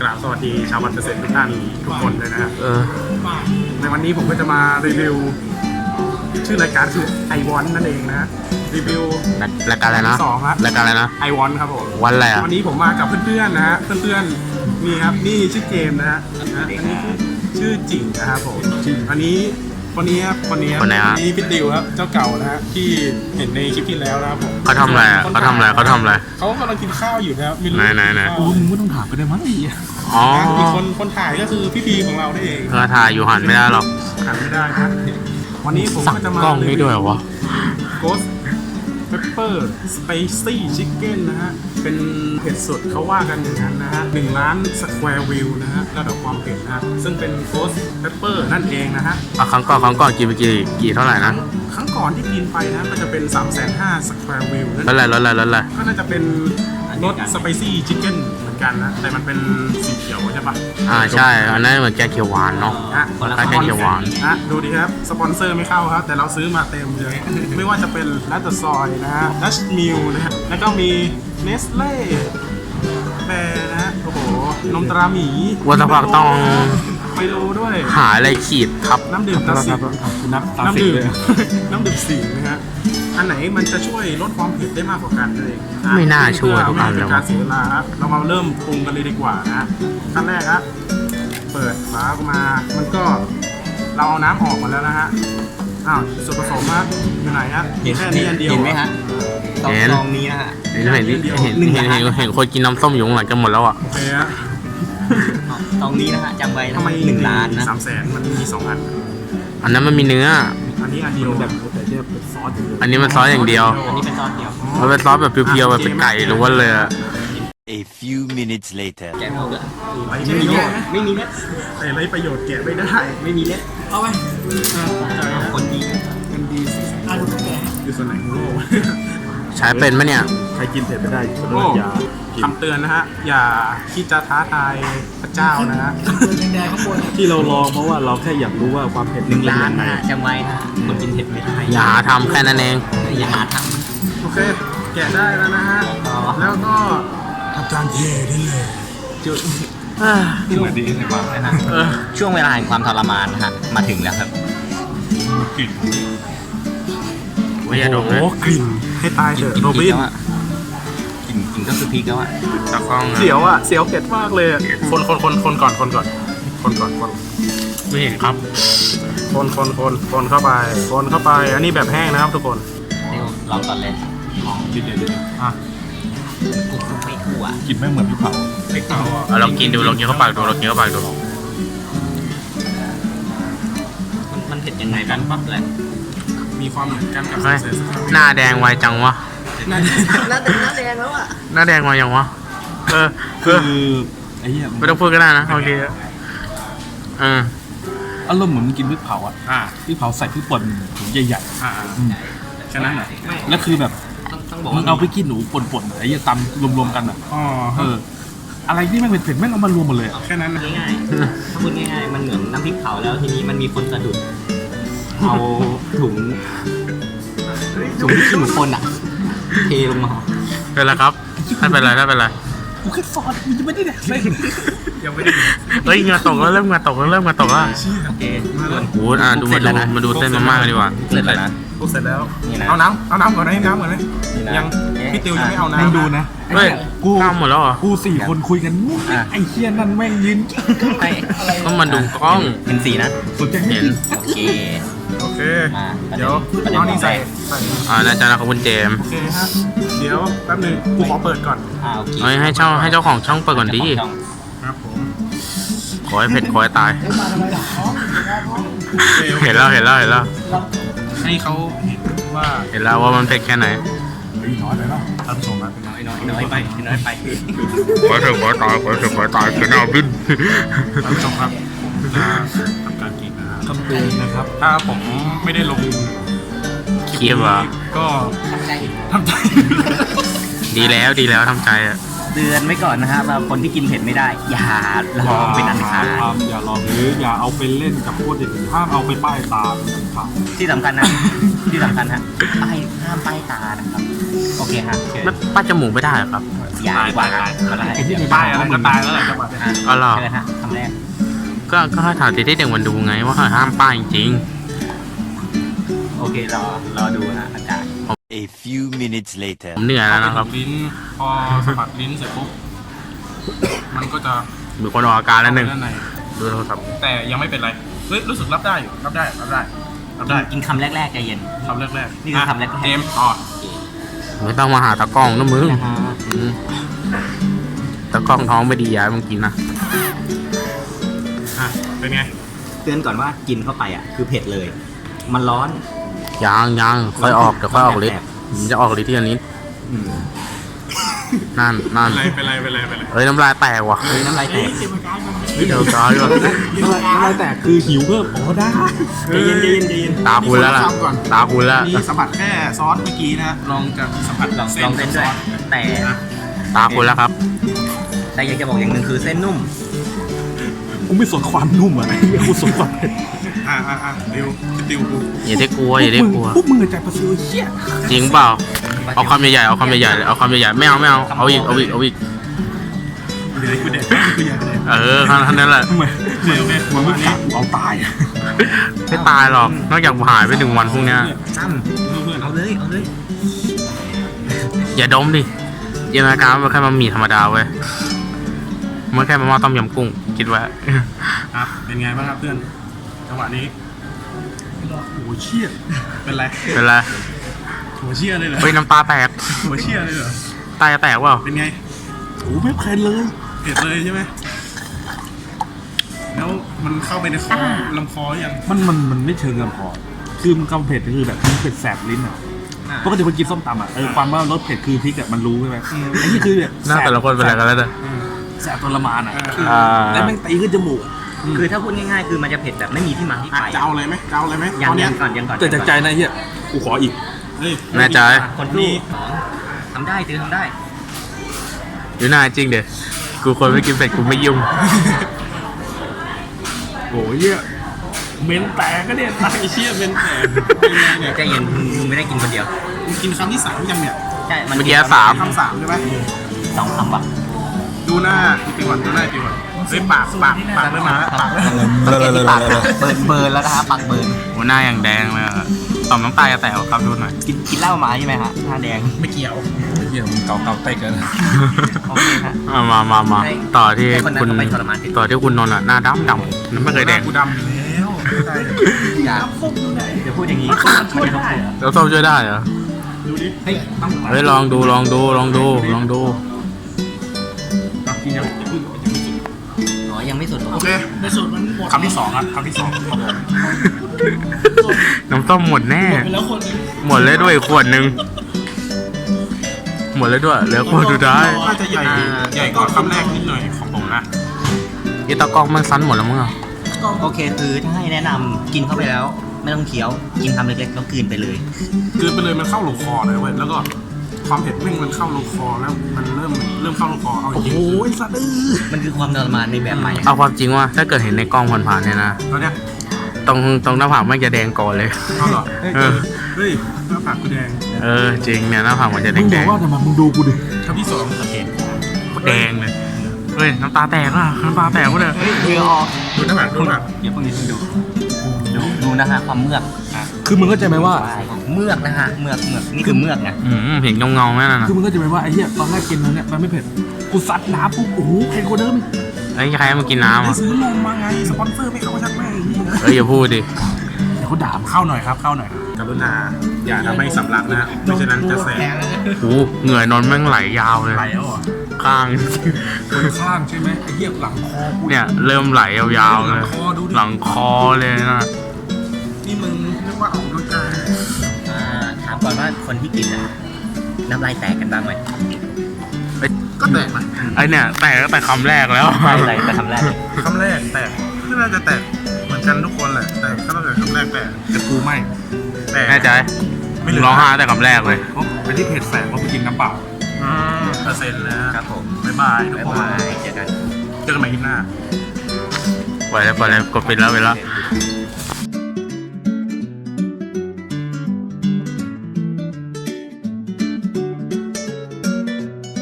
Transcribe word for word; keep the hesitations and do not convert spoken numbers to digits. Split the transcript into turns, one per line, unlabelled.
กราบสวัสดีชาววันเกษตรทุกท่านทุกคนเลยนะฮะ
เออ
ในวันนี้ผมก็จะมารีวิวชื่อรายการคือไอวอนนั่นเองนะฮะรีวิว
รายการอะไรนะ
สองครับ
รายการอะไรนะ
ไอวอนครับผม
วันอะไรอ่ะ
วันนี้ผมมากับเพื่อนๆนะฮะเพื่อนๆนี่ครับนี่ชื่อเกมนะฮะอันนี้ชื่อจิ๋งนะครับผมอันนี้คนนี้ครับคนนี้ครับ
คนไหนฮะ
นี่พี่ดิวครับเจ้าเก่านะฮะที่เห็นในคลิปที่แล้วนะครับผม
เขาทำอะไรอ่ะเขาทำอะไรเขาทำอะไร
เขากำลังกินข้าวอยู่นะครับไม่รู้
ไหนไหนไหน
โอ้มึงไม่ต้องถามไปได้มั้งอีก
อ๋อ
อีกคนคนถ่ายก็คือพี่พีของเราได้เอง
เธอถ่ายอยู่หันไม่ได้หรอก
หันไม่ได้ครับวันนี้ผม
สั่ง
ก็จะมาก
ล้องได้ด้วยเหรอวะ
โกสเปปเปอร์สไปซี่ชิคเก้นนะฮะเป็นเผ็ดสุดเขาว่ากันอย่างนั้นนะฮะหนึ่งล้านสแควร์วิวนะฮะระดับความเผ็ดนะฮะซึ่งเป็นโกสเปปเปอร์นั่นเองนะฮะ
อ่ะครั้งก่อนครั้งก่อนกี่ไปกี่กี่เท่าไหร่นะ
ครั้งก่อนที่กินไปนะก็จะเป็น สามแสนห้าหมื่น สแควร์วิวนั่น
ลดอะไรลดอะไรลดอะไร
ก็น่าจะเป็นรสสไปซี่ชิคเก้นเหมือนกันนะแต่มันเป็นสีเขียวใช่ปะ
อ่าใช่อันนั้นเหมือนแกงเขียวหวานเนาะ
ฮะ
คนละแกงเขียวหวาน
ฮะดูดิครับสปอนเซอร์ไม่เข้าครับแต่เราซื้อมาเต็มเลย ไม่ว่าจะเป็นลัตเตอร์ซอยนะฮะดัชมิลนะฮะแล้วก็มีเนสเล่แบร์นะฮะโอ้โหนมตราหมี
วันสักพักต้อง
ไมโลด้วย
หาอะไรขีดทับ
น้ำดื่มตาสิงน้ำดื่มน้ำดื่มสิงนะฮะอันไหนมันจะช่วยลดความเผ็ดได้มากกว่ากันเลยอ่ะ
ไม่น่าช่วยทุก
เพื่
อั
อน ไม่
เล
ให้
ย
เป็นการ
วะ
เสียเวลาครับเรามาเริ่มปรุงกันเลยดีกว่านะขั้นแรกครับเปิดฝาออกมามันก็เราเอาน้ำออกมาแล้วนะฮะอ้าวส่วนผสมครับอยู่ไหนฮะมีแค่นี้อันเดียว
เห็นไหมฮะซอง
เห็น
ซองนี้นะฮะ
เห็นเห็นเห็นเห็นเห็นเห็นคนกินน้ำส้มอยู่ข้างหลังกันหมดแล้วอ่ะ
โอเคฮะ
ซองนี้นะฮะจำไว้นะ
ทำไม
หนึ่งล้านนะ
สามแสนมันมีสองอัน
อันนั้นมันมีเนื้อ
อันนี้อันเดียวแบบแต่เนี่ยเป็นซอสอย่างเดียว
อันนี้มันซอสอย่างเดียว
อันนี้เป็นซอสเดียว
มันเป็นซอสแบบเพียวๆแบบเป็นไก่หรือว่าเลยอะ
A few minutes later.
แกะไม่เอาเลย
ไม่
ไม่
มี
มี
เน็
เน็
ต
ตไม่มีเน็ต
แต่ไรประโยชน์แกะไม่ได้
ไม่มีเน็ตเอาไปคนดี
มันดีสิอยู่ส่วนไหนของโลก
ใช้เป็นไหมเนี่ย
ใครกินเผ็ดไม่ได้อยู่โลกยาคำเตือนนะฮะอย่าคิดจะท้าทายพระเจ้านะฮะ
ที่เราลองเพราะว่าเราแค่อยากรู้ว่าความเผ็ด
หนึ่งล้านนะฮะจำไว้นะคนกินเผ็ดไม่ได้
อย่าหาทำแค่นั้นเอง
อย่าหาท
โอเค แกะได้แล้วนะฮะ
ำ
แล้วก็ทำการเทได้เลย
จุดเหมือนดีใช่ไหมนะฮะช่วงเวลาแห่งความทรมานนะฮะมาถึงแล้วครับ
ไม่อย่าดม
โอ้
นะ
โหกลิ่นให้ตายเถ
กิน
อะโร
พริ
บิ
ก
น
แล้วอะกินกินก็คือพริกแล้วอะ
ตากล้องอะ
เสียวอ่ะเสียวเผ็ดมากเลยอะคนคนคนคนก่อนคนก่อนคนก่อนคน
ไม่เห็นครับ
คนคนคนคนเข้าไปคนเข้าไป อันนี้แบบแห้งนะครับทุกคน
นี่ลองก่อนเลย
กินเดี๋ยวเดี๋ยว
อ่ะ
กูไม่ทั่ว
กินไม่เหมือนพี่เผา
เล็กเตาอ่ะ
เอาลองกินดูลองกินเข้าปากดูลองกินเข้าปากดู
มันมันเผ็ดยังไงกันปั๊บเลย
มีความเหมือนกันกับ
เฮ้ย
เซนส์
หน้าแดงไวจังวะ
น่า
หน้าแดงหน้าแดงแล้วอะ
หน้าแดงไวยังวะ เออเอ
คือ
อ
ไอ้เหี้ย
ไม่ต้องพูดก็ได้นะโอเคเออ
อารมณ์เหมือนกินพริกเผาอ่ะ
อ่า
พริกเผาใส่พริกป่นถุงใหญ่
อ่า
ๆอืม
แค่นั้นเหรอ
ไม่
แล้วคือแบบ
ต้องต้องบอก
มึ
ว่าง
เอาพริกขี้หนูป่นๆไอ้เหี้ยตำรวมๆกันอ่ะ
อ๋อ
เอออะไรที่แม่งเผ็ดๆแม่งเอามารวมหมดเลยอะ
แค่นั้นนะ
ง่ายๆถ้าพูดง่ายๆมันเหมือนน้ำพริกเผาแล้วทีนี้มันมีคนสะดุดเอาถุงถุงที่ขี้หมูคนอะเทลงมา
เป็นไรครับไม่เป็นไรไม่เป็นไร
กูแค่ซอสมันจะไม่ได้แดกเลย
ยังไม่ได้กิน
เฮ้ยเหงาตกแล้วเริ่มเหงาตกแล้วเริ่มเหงาตกแล้ว
โอเค
โอ้อ่ะดูมาดูมาดูเส้นมาม่ากันดีกว่า
เสร็จแล้วนะ
พูดเสร็จแล้ว
นี่นะ
เอาน้ำเอาน้ำก่อนนะน้ำก่อนนะ
นี่นะ
ยัง
เอ๊ะ
พี่ติวยังไม่เอา
ให้
น้ำ
ดูนะ
เฮ้ย
กู
ข้ามหมดแล้วเหรอ
กูสี่คนคุยกันมุ้งมิ้งไอ้เหี้ยนั่นแม่งยืน
ให้
ต้องมาดูกล้อง
เป็นสีนะ
สนใจให้
เห็น
โอเค
โอเค
มา
เดี๋ยว
ประเด็น
เอานี่ใส่ใส่
อ่าน่าจะนะครับคุณเจมส์
โอเคฮะเดี๋ยวแป๊บหนึงกูขอเปิดก่อน
อ่าโอเค
เฮ้ยให้เจ้าให้เจ้าของช่องเปิดก่อนดี
ช่อง
ครับผม
ขอให้เผ็ดขอให้ตาย
โอเคโอค
เห็นแล้วเห็นแล้วเห็นแล้ว
ให้เขาเห็นว่า
เห็นแล้วว่ามันเผ็ดแค่ไหน
เฮ้ยน้อยไปแล้วท่านผู้ชมมาเป็นน้อย
น้อยน้อยไปน้อยไป
ขอให้เผ็ดขอให้ตายขอให้เผ็ดขอให้ตายคือหน้าบิน
ท่านผู้ชมครับจะทำการกินนะครับคำเตือนนะครับ ถ้าผมไม่ได้ลง
เคียบอ่ะ
ก็ทำใจ
ดีแล้วดีแล้วทำใจอ่ะ
เตือนไว้ก่อนนะฮะว่าคนที่กินเผ็ดไม่ได้ อย่าลองเป็นอันขาด
ทำอย่าลองหรืออย่าเอาไปเล่นกับพวกเด็กห้ามเอาไปป้ายตาเป็นอันขาด
ที่สำคัญนะ ที่สำคัญฮะป้ายห้ามป้ายตานะครับ โอเคฮะ
ไม่ป้ายจมูกไม่ได้เหรอครับ
อย่าดีกว่าครับเอาละ
ไอ้ที่
เดี๋ยว
ป้ายอะไรก็ตายแล้วแหละจังหวะเนี้ย
อ่ะ
อ๋อเหรอ
เชิญฮะคำแรก
ก็ก็ให้ถ่ายติดให้เด็กมันดูไงว่าเขาห้ามป้ายจริง
โอเครอรอดูฮะอากาศ
A few minutes later.
ผมเหนื่อยแล้วนะครับ
ลิ้นพอสะบัดลิ้นเสร็จปุ๊บมันก็จะ
มีคนออกอาการแล้วหนึ่ง
ด้านใน
ดูโทรศัพท์
แต่ยังไม่เป็นไรเฮ้ยรู้สึกรับได้อยู่รับได้รับได้รับได้
กินคำแรกๆใจเย็น
คำแรกๆ
นี่คือคำแรกๆ
เกมต่อ
ไม่ต้องมาหาตะกล้องนะมึง
นะฮะ
อืมตะกล้องท้องไม่ดีย้ายมึงกินนะ
อ่ะเป็นไง
เตือนก่อนว่ากินเข้าไปอ่ะคือเผ็ดเลย มันร้อน
ยังยังค่อยออกเดี๋ยวค่อยออกฤทธิ์ผมจะออกฤทธิ์ที่อันนี้
อืม
นั่นนั่น
เป็นไรเป็นไรเป็นไรเป็นไร
เฮ้ยน้ำลายแตกว่ะ
เฮ้ยน้ำลายแตก
เดี๋ยวตายว่ะ
อะไรแต่คือหิวเพิ่มอ๋อได้
ใจเย็นใจเย็นใจเย็น
ตาคุณแล้วล่ะตาคุณแล้ว
มีสัมผัสแค่ซอสเมื่อกี้นะลองจะสัมผัส
ลองลองเส้นด้วย แต่
ตาคุณแล้วครับ
แต่อยากจะบอกอย่างหนึ่งคือเส้นนุ่ม
กูไม่สนความนุ่มอ่ะไอ้เหี้ยกูสนความเผ็ด
อ่ะอ่ะอ่ะดิวดิวกู
อย่าได้กลัวอย่าได้กลัว
พวกมึงอะใจประซิวเชี่ย
จริงเปล่าเอาคำใหญ่ๆเอาคำใหญ่ๆเลยเอาคำใหญ่ๆไม่เอาไม่เอาเอาอีกเอาอีกเอาอีก
เดี๋ยวกูเด็กกูอยากเด็ก
เออแค่นั้นแหละ
ทำไมเดี๋ยวเนี่ย
มึ
ป
ง
ระ
ไม่
มาณ
กะ
นี้
กูเอาตายอะ
ไม่ตายหรอกนอกจากหายไปหนึ่งวันพรุ่งเนี้ย
ตั้ม
เพื่อน
เอาเลยเอาเลย
อย่าดมดิจินตนาการมันแค่มามีธรรมดาเว้ยมันแค่มาม่าต้มยำกุ้งคิดไว้
ครับเป็นไงบ้างครับเพื่อนจังหวะนี้
โอ้เชี่ย
เป็นไร
เป็นไร
หัวเชี่ยเลยเหรอ
เฮ้ยน้ำตาแตก
หัวเชี่ยเลยเหรอ
ตาจะแตกเปล่า
เป็นไง
โอ้ไม่เพลินเลย
เผ็ดเลยใช่ไหมแล้วมันเข้าไปในคอลำคอยัง
มันมันมันไม่เชิงกันพอคือมันกำเผ็ดคือแบบมันเผ็ดแสบลิ้นอ่ะปกติคนกินส้มตำอ่ะเออความว่ารสเผ็ดคือพริกอ่ะมันรู้ใช่ไหมไอ้นี่คือแบบ
หน้าแต่ละคนเป็นอะไรกันแล้วเนี่ย
แสบทรมานอ่ะ
อ่า
แล้วแม่งตีขึ้นจมูก
คือถ้าพูดง่ายๆ คือมันจะเผ็ดแบบไม่มีที่มาที่
อ่ะ
ไป
จะเอาอะไรไหมจะเอาอะไรไหม
ยั
ต
ง
อนเนี้
ยั
ย
งก่อนยังก่อน
แต่จากใจนะเฮียกูขออีก
เฮ้ย
แน่ใจ
คนที่สองทำได้ตือทำได้
อยู่หน้าจริงเด็กูคนไม่กินเผ็ดกูไม่ยุ่ง
โอ้ยเฮียเมนแตกก็เนี่ย
ไอ้เชี่ยเป็นแผลเป็นไงเนี่ย
ใจเย็นมึงไม่ได้กินคนเดียว
มึงกินคำที่สามยังเนี่ย
ใช่ มัน
เมื่อกี้สาม
คำสามใช่ไหม
สองคำว่ะ
ดูหน้าปีก่อนดูหน้าปีก่อนเฮ้ยปากปากปากเริ่มมาแล้วปากเริ่ม
สังเกตที่ปากนะเบิร์นเบิร์นแล้วนะฮะปากเบิร์น
หัวหน้าอย่างแดงเลยอะต่อมน้ำตาจะแตกครับดูหน่อย
กินกินเหล้ามาใช่ไหมฮะหน้าแดง
ไม่เกี่ยว
เฮียมึงเกาเกาเตะกัน
โอเคฮะ
อ่ะมามามา
ให้
ต่อที่
ให้คนนั้น
คุณ
เขาไปทรมานสิ
ต่อที่คุณนนท์อ่ะหน้าดำดำนั่นไม่เคยแดง
กูดำอยู่แล้วใช่
อย่าเดี๋ยวพูดอย่างนี้มันจะทำให้
แล้วส้มช่วยได้เหรอ
ดูดิ
เฮ้ยต้อง
เฮ้ยลองดูลองดูลองดูลองดู
อ่ะกินยัง
อ๋อยังไม่สุดหรอ
โอเคในสุดมันหมดคำที่สองครับคำที่สอง
น้ำส้มหมดแน่
แล้วคนนึง
หมดเลยด้วยขวดหนึ่งหมดเลยด้วยเหลือขวดสุดท้าย
น่าจะใหญ่ใหญ่กว่าคำแรกนิดหน่อยของผมนะ
อีตะกองมันสั้นหมดแล้วมั้งอ่ะ
โอเคคือถ้าให้แนะนำกินเข้าไปแล้ว ไม่ต้องเคี้ยว กินคำเล็กๆแล้วกลืนไปเลย
คือไปเลยมันเข้าลงคอเลยเว้ยแล้วก็ความเผ็ดแม่งมันเข้าลงคอแล้วมันเริ่มเริ่มเข้าลงคอเอาจริง
โอ้ยสัตว์เออ
มันคือความทรมานในแบบใหม่
เอาความจริงว่าถ้าเกิดเห็นในกล้องผ่านๆเนี่ยนะ
ตอนเนี้ย
ตรงตรงหน้าผากมันจะแดงก่อนเลย
เอาเหรอ
เออ
เฮ้ยหน้าปากกูแดง
เออจริงเนี่ยหน้าผากมันจะแด
มึ
ง
ง
แด
บอก
ง
ว่าทำไมมึงดูกูดิ
คำที่สอง
โอเค
แดงเลยเฮ้ยน้ำตาแตกอ่ะน้ำตาแตกหมดเลย
เฮ้ยเหงื่อออก
ดูหน้าปากดูหน้าปาก
เดี๋ยวพวกนี้คุณดู ดูดูนะฮะความเมือก
คือมึงเข้าใจไหมว่า
เมือกนะฮะเมือกเมือกนี่คือเมือกนะ
อืมเห็นเงาเงาๆไหมน่ะนะ
คือมึงเข้าใจไหมว่าไอ้เหี้ยตอนแรกกินนั้นเนี่ยมันไม่เผ็ดกูซัดน้ำปุ๊บโอ้โหเผ็ดกว่าเดิมอีก
ไอ้ยใครมากินน้ำ
ไป
อ่ะ
ซื้อนมมาไงสปอนเซอร์ไม่เข้าชักแม่งนี่นะ
เอ้ยอย่าพูดดิ
เดี๋ยวเขาด่ามึง
เข้าหน่อยครับเข้าหน่อยกรุณาอย่าทำให้สำลักนะไม่ฉะนั้นจะแสบ
โอ้เหงื่อนนท์แม่งไหลยาวเลย
ไหลแล้วเหรอ
ข้าง
คนข้างใช่ไหมไอ้เหี้ยหลังคอกู
เนี่ยเริ่มไหลยาวๆ
ห
เล
ลัง
ย
คอดูดิ
หลังคอเลยนะ
นี่มึงเรียกว่าออกกำลังกาย
อ่าถามก่อนว่าคนที่กินอ่ะน้ำลายแตกกันบ้างไหม
ก็แตกนะ
ไอเนี่ยแตกตั้งแต่คำแรกแล้ว
ไม่ไรแต่คำแรกเลย
คำแรกแตกก็น่าจะแตกเหมือนกันทุกคนแหละแต่ก็ต้องแต่คำแรกแตกแต่กูไม่แตก
แน่ใจ
ไม่เหลือ
ร้องไห้แต่คำแรกเลย
เพราะไอ้ที่เผ็ดแสบเพราะกูกินน้ำเปล่า
อ่าเปอร์เซ็นต์นะฮะ
ครับผม
บ๊ายบายทุก
บ๊าย
คน
บายเจอกัน
เจอกันใหม่คลิปหน้า
ไปแล้วไปแล้วกดปิดแล้วไปแล้ว
เ